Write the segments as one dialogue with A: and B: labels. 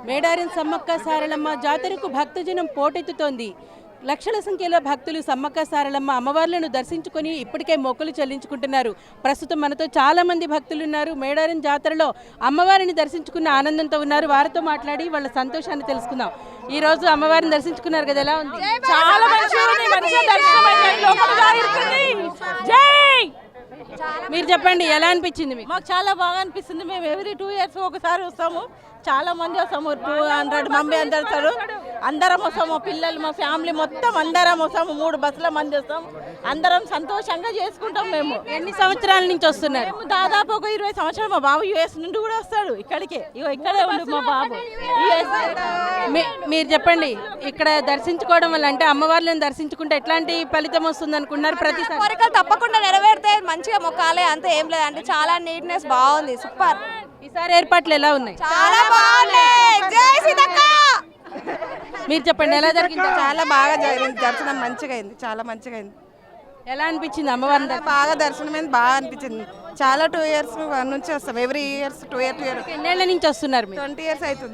A: మేడారం సమ్మక్క సారలమ్మ జాతరకు భక్తజనం పోటెత్తుతోంది. లక్షల సంఖ్యలో భక్తులు సమ్మక్క సారలమ్మ అమ్మవార్లను దర్శించుకొని ఇప్పటికే మొక్కులు చెల్లించుకుంటున్నారు. ప్రస్తుతం మనతో చాలా మంది భక్తులు ఉన్నారు. మేడారం జాతరలో అమ్మవారిని దర్శించుకున్న ఆనందంతో ఉన్నారు. వారితో మాట్లాడి వాళ్ళ సంతోషాన్ని తెలుసుకుందాం. ఈ రోజు అమ్మవారిని దర్శించుకున్నారు కదా, ఎలా ఉంది?
B: చాలా
A: మీరు చెప్పండి, ఎలా అనిపించింది మీకు?
B: మాకు చాలా బాగా అనిపిస్తుంది. మేము ఎవ్రీ 2 years ఒకసారి వస్తాము. చాలా మంది వస్తాము, 200 మంది అందరు అందరం వస్తాము. పిల్లలు మా ఫ్యామిలీ మొత్తం అందరం వస్తాము. 3 బస్సుల మంది వస్తాము. అందరం సంతోషంగా చేసుకుంటాం. మేము
A: ఎన్ని సంవత్సరాల నుంచి వస్తున్నారు?
B: మేము దాదాపు ఒక 20 సంవత్సరాలు. మా బాబు US నుండి కూడా వస్తాడు ఇక్కడికే. ఇక్కడే ఉండు మా బాబు.
A: మీరు చెప్పండి, ఇక్కడ దర్శించుకోవడం వల్ల అంటే అమ్మవార్లను దర్శించుకుంటే ఎట్లాంటి ఫలితం వస్తుంది అనుకున్నారు? ప్రతిసారి
C: కోరికలు తప్పకుండా నెరవేరితే మంచిగా మొక్కాలి, అంతే, ఏం లేదు. అంటే చాలా నీట్నెస్ బాగుంది, సూపర్.
A: ఈసారి ఏర్పాట్లు ఎలా ఉన్నాయి?
C: చాలా బాగున్నాయి. జై సీతక్క.
A: మీరు చెప్పండి, ఎలా జరిగింది?
D: చాలా బాగా జరిగింది. దర్శనం మంచిగా అయింది, చాలా మంచిగా అయింది.
A: ఎలా అనిపించింది అమ్మవారిని?
D: బాగా దర్శనం అయింది, బాగా అనిపించింది. చాలా 2 years నుంచి వస్తాం. Every years 2 years.
A: ఎన్నేళ్ల నుంచి వస్తున్నారు మీరు?
D: 20 years అవుతుంది.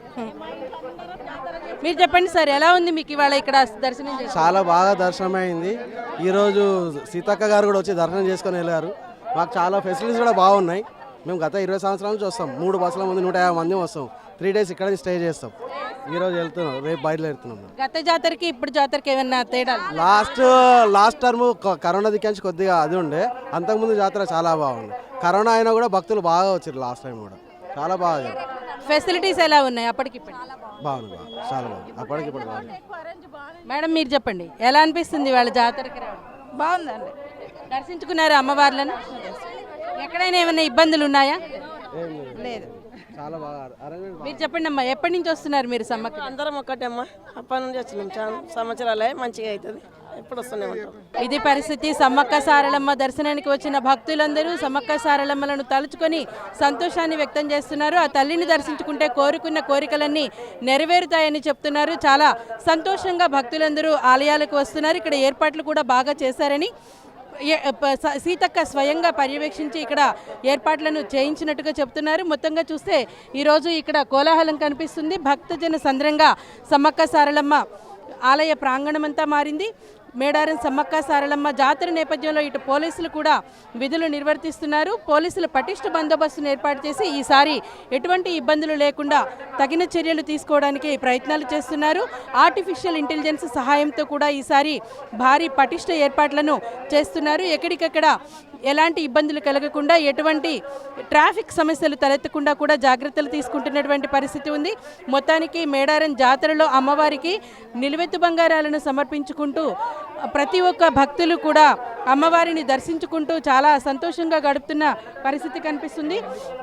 A: మీరు చెప్పండి సార్, ఎలా ఉంది మీకు ఇవాళ ఇక్కడ దర్శనం చేసి?
E: చాలా బాగా దర్శనం అయింది. ఈరోజు సీతక్క గారు కూడా వచ్చి దర్శనం చేసుకొని వెళ్ళారు. మాకు చాలా ఫెసిలిటీస్ కూడా బాగున్నాయి. మేము గత 20 సంవత్సరాల నుంచి వస్తాం. 3 బస్సుల ముందు 150 మంది వస్తాం. 3 days ఇక్కడ స్టే చేస్తాం. ఈరోజు వెళ్తున్నాం, రేపు బయలుదేరుతున్నాం.
A: గత జాతరకి ఇప్పుడు జాతరకి ఏమన్నా తేడా?
E: లాస్ట్ టర్మ్ కరోనా దిక్కించి కొద్దిగా అది ఉండే. అంతకుముందు జాతర చాలా బాగుంది. కరోనా అయినా కూడా భక్తులు బాగా వచ్చారు. లాస్ట్ టైం కూడా చాలా బాగా.
A: ఫెసిలిటీస్ ఎలా ఉన్నాయి అప్పటికి?
E: బాగుంది, చాలా బాగుంది. అప్పటికిప్పుడు బాగుంది.
A: మేడం మీరు చెప్పండి, ఎలా అనిపిస్తుంది వాళ్ళ జాతరకి రావడం?
D: బాగుందండి.
A: దర్శించుకున్నారు అమ్మవార్లను? ఎక్కడైనా ఏమైనా ఇబ్బందులు ఉన్నాయా?
D: లేదు,
E: చాలా బాగా అరేంజ్మెంట్.
A: మీరు చెప్పండి అమ్మా, ఎప్పటి నుంచి వస్తున్నారు మీరు సమ్మక్క?
F: అందరం ఒక్కటే అమ్మా, అప్పటి నుంచి వచ్చినాం. చాలా సంవత్సరాలే, మంచిగా అవుతుంది. ఎప్పుడు వస్తూనే ఉంటాం.
A: ఇది పరిస్థితి. సమ్మక్క సారలమ్మ దర్శనానికి వచ్చిన భక్తులందరూ సమ్మక్క సారలమ్మలను తలుచుకొని సంతోషాన్ని వ్యక్తం చేస్తున్నారు. ఆ తల్లిని దర్శించుకుంటే కోరుకున్న కోరికలన్నీ నెరవేరుతాయని చెప్తున్నారు. చాలా సంతోషంగా భక్తులందరూ ఆలయాలకు వస్తున్నారు. ఇక్కడ ఏర్పాట్లు కూడా బాగా చేశారని సీతక్క స్వయంగా పర్యవేక్షించి ఇక్కడ ఏర్పాట్లను చేయించినట్టుగా చెప్తున్నారు. మొత్తంగా చూస్తే ఈరోజు ఇక్కడ కోలాహలం కనిపిస్తుంది. భక్తజన సంద్రంగా సమ్మక్క సారలమ్మ ఆలయ ప్రాంగణమంతా మారింది. మేడారం సమ్మక్క సారలమ్మ జాతర నేపథ్యంలో ఇటు పోలీసులు కూడా విధులు నిర్వర్తిస్తున్నారు. పోలీసులు పటిష్ట బందోబస్తును ఏర్పాటు చేసి ఈసారి ఎటువంటి ఇబ్బందులు లేకుండా తగిన చర్యలు తీసుకోవడానికి ప్రయత్నాలు చేస్తున్నారు. ఆర్టిఫిషియల్ ఇంటెలిజెన్స్ సహాయంతో కూడా ఈసారి భారీ పటిష్ట ఏర్పాట్లను చేస్తున్నారు. ఎక్కడికక్కడ ఎలాంటి ఇబ్బందులు కలగకుండా, ఎటువంటి ట్రాఫిక్ సమస్యలు తలెత్తకుండా కూడా జాగ్రత్తలు తీసుకుంటున్నటువంటి పరిస్థితి ఉంది. మొత్తానికి మేడారం జాతరలో అమ్మవారికి నిలువెత్తు బంగారాలను సమర్పించుకుంటూ ప్రతి ఒక్క భక్తులు కూడా అమ్మవారిని దర్శించుకుంటూ చాలా సంతోషంగా గడుపుతున్న పరిస్థితి కనిపిస్తుంది.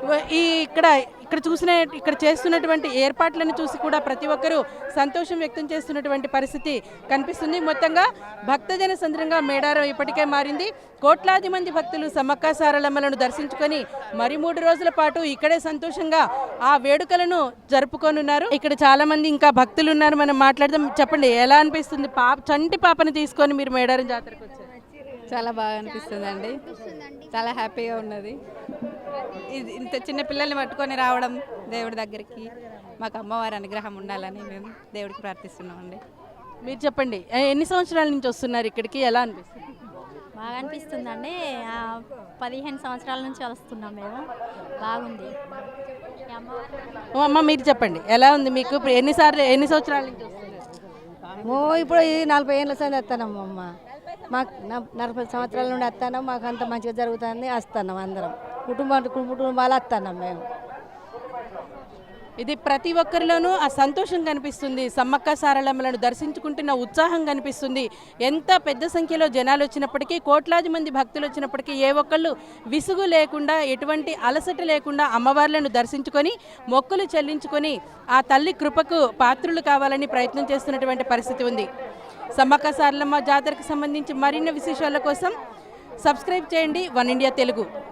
A: ఇక్కడ చేస్తున్నటువంటి ఏర్పాట్లను చూసి కూడా ప్రతి ఒక్కరూ సంతోషం వ్యక్తం చేస్తున్నటువంటి పరిస్థితి కనిపిస్తుంది. మొత్తంగా భక్తజన సంద్రంగా మేడారం ఇప్పటికే మారింది. కోట్లాది మంది భక్తులు సమ్మక్క సారలమ్మలను దర్శించుకొని మరి 3 రోజుల పాటు ఇక్కడే సంతోషంగా ఆ వేడుకలను జరుపుకొనున్నారు. ఇక్కడ చాలా మంది ఇంకా భక్తులు ఉన్నారు, మనం మాట్లాడదాం. చెప్పండి, ఎలా అనిపిస్తుంది? చంటి పాపని తీసుకొని మీరు మేడారం జాతరకు వచ్చారు?
G: చాలా బాగా అనిపిస్తుంది అండి, చాలా హ్యాపీగా ఉన్నది. ఇంత చిన్న పిల్లల్ని పట్టుకొని రావడం దేవుడి దగ్గరికి, మాకు అమ్మవారి అనుగ్రహం ఉండాలని మేము దేవుడికి ప్రార్థిస్తున్నామండి.
A: మీరు చెప్పండి, ఎన్ని సంవత్సరాల నుంచి వస్తున్నారు ఇక్కడికి? ఎలా అనిపిస్తుంది?
H: బాగా అనిపిస్తుందండి. 15 సంవత్సరాల నుంచి వస్తున్నాం మేము. బాగుంది.
A: అమ్మ మీరు చెప్పండి, ఎలా ఉంది మీకు? ఎన్ని సంవత్సరాల నుంచి వస్తున్నారు?
I: ఇప్పుడు ఈ 40 ఏళ్ళ సంది వస్తున్నాము అమ్మ. మాకు 40 సంవత్సరాల నుండి వస్తున్నాం. మాకు అంత మంచిగా జరుగుతుంది. వస్తున్నాం అందరం, కుటుంబాలు వస్తున్నాం మేము.
A: ఇది ప్రతి ఒక్కరిలోనూ ఆ సంతోషం కనిపిస్తుంది. సమ్మక్క సారలమ్మలను దర్శించుకుంటున్న ఉత్సాహం కనిపిస్తుంది. ఎంత పెద్ద సంఖ్యలో జనాలు వచ్చినప్పటికీ, కోట్లాది మంది భక్తులు వచ్చినప్పటికీ ఏ ఒక్కళ్ళు విసుగు లేకుండా, ఎటువంటి అలసట లేకుండా అమ్మవార్లను దర్శించుకొని మొక్కులు చెల్లించుకొని ఆ తల్లి కృపకు పాత్రులు కావాలని ప్రయత్నం చేస్తున్నటువంటి పరిస్థితి ఉంది. సమ్మక్క సారలమ్మ జాతరకు సంబంధించి మరిన్ని విశేషాల కోసం సబ్స్క్రైబ్ చేయండి వన్ ఇండియా తెలుగు.